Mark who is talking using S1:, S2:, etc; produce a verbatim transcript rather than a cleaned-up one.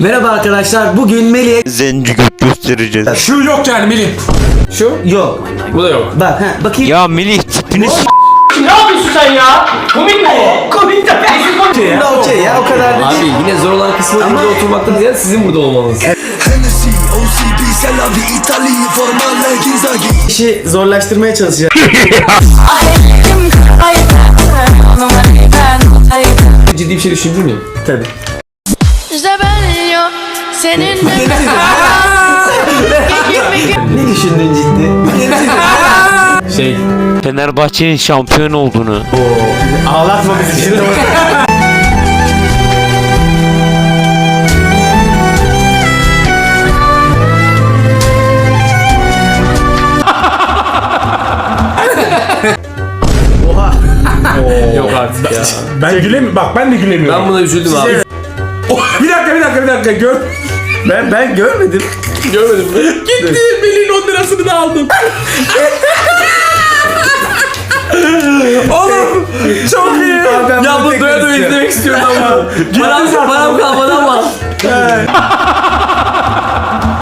S1: Merhaba arkadaşlar. Bugün Melih'e
S2: Zenci göt göstereceğiz.
S3: Şu yok yani Melih.
S1: şu yok.
S3: Bu da yok.
S1: Bak ha bakayım.
S2: Ya Melih tipini s-
S4: Ne yapıyorsun sen ya? Komik mi bu? Komik de kesin komik ya.
S1: Bunda okey ya o kadar da
S3: Abi
S1: değil.
S3: yine zor olan kısmı burada oturmaktan ziyade sizin burada olmanız.
S5: Hennessy, O C B, Selavi, İtalya, Formale, Ginzagi.
S1: İşi zorlaştırmaya çalışacağım.
S3: Ciddi bir şey düşündün mü?
S1: Tabii.
S6: İşte ben yok seninle.
S1: Ne düşündün ciddi?
S3: Şey.
S2: Fenerbahçe'nin şampiyon olduğunu.
S1: Ağlatma bizi şimdi. Oha.
S3: Yok artık ya.
S7: Ben gülemiyorum. Bak ben de gülemiyorum.
S3: Ben buna üzüldüm abi.
S7: Bir dakika bir dakika bir dakika gör.
S1: Ben ben görmedim.
S3: Görmedim mi?
S7: Gitti Melih'in on lirasını da aldım.
S3: Oğlum çok iyi.
S1: Ben
S3: Ya
S1: bunu
S3: bu
S1: tekrar
S3: doya doya
S1: istiyorum.
S3: izlemek istiyorum ama. Param, param kalmadı ama.